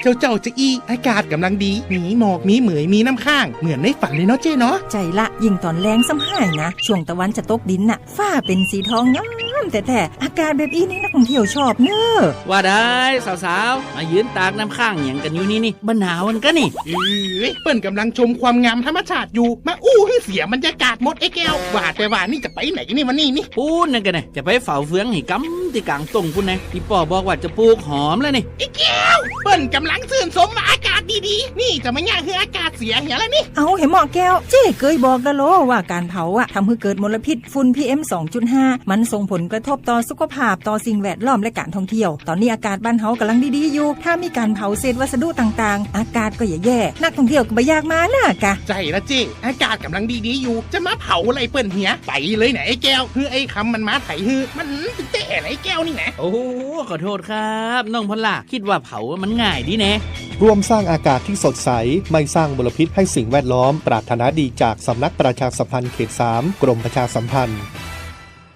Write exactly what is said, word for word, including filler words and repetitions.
ขียวเจ้าจะอีอากาศกำลังดีมีหมอกมีเหมยมีน้ำข้างเหมือนในฝันเลยเนาะเจ้เนาะใจละยิ่งตอนแรงซ้ำหายนะช่วงตะวันจะตกดินน่ะฟ้าเป็นสีทองงามแต่แต่อากาศแบบอีนี่นักท่องเที่ยวชอบเนอะว่าได้สาวๆมายืนตากน้ำข้างอย่างกันอยู่นี่นี่บ้านหนาวมันก็นี่เอ้ยเปิ้นกำลังชมความงามธรรมชาติอยู่มาอู้ให้เสียบรรยากาศหมดไอ้แก้วว่าแต่ว่านี่จะไปไหนนี่วันนี้นี่พูดนั่นกันนะจะไปเฝ้าเฟืองให้กำที่กลางตรงพุ่นนะพี่ป่อบอกว่าจะปลูกหอมแล้วนี่ไอ้แก้วเปิ้นกำลังชื่นชมอากาศดีๆนี่จะมาย่างคืออากาศเสียเหี้ยแล้วนี่เอาเห็นหมอแก้วเจ๊เคยบอกแล้วโลว่าการเผาอะทำให้เกิดมลพิษฝุ่น พี เอ็ม สองจุดห้า มันส่งผลกระทบต่อสุขภาพต่อสิ่งแวดล้อมและการท่องเที่ยวตอนนี้อากาศบ้านเฮากำลังดีๆอยู่ถ้ามีการเผาเศษวัสดุต่างๆอากาศก็แย่ๆนักท่องเที่ยวก็บ่อยากมาน่ะกะใจละเจ้อากาศกำลังดีๆอยู่จะมาเผาอะไรเปิ้นเหี้ยไปเลยไหนไอ้แก้วคือไอ้คำมันมาไถฮือมันเตะไหนไอ้แก้วนี่นะโอ้ขอโทษครับน้องพลล่าคิดว่าเผามันง่ายดีแน่ร่วมสร้างอากาศที่สดใสไม่สร้างมลพิษให้สิ่งแวดล้อมปรารถนาดีจากสำนักประชาสัมพันธ์เขตสามกรมประชาสัมพันธ์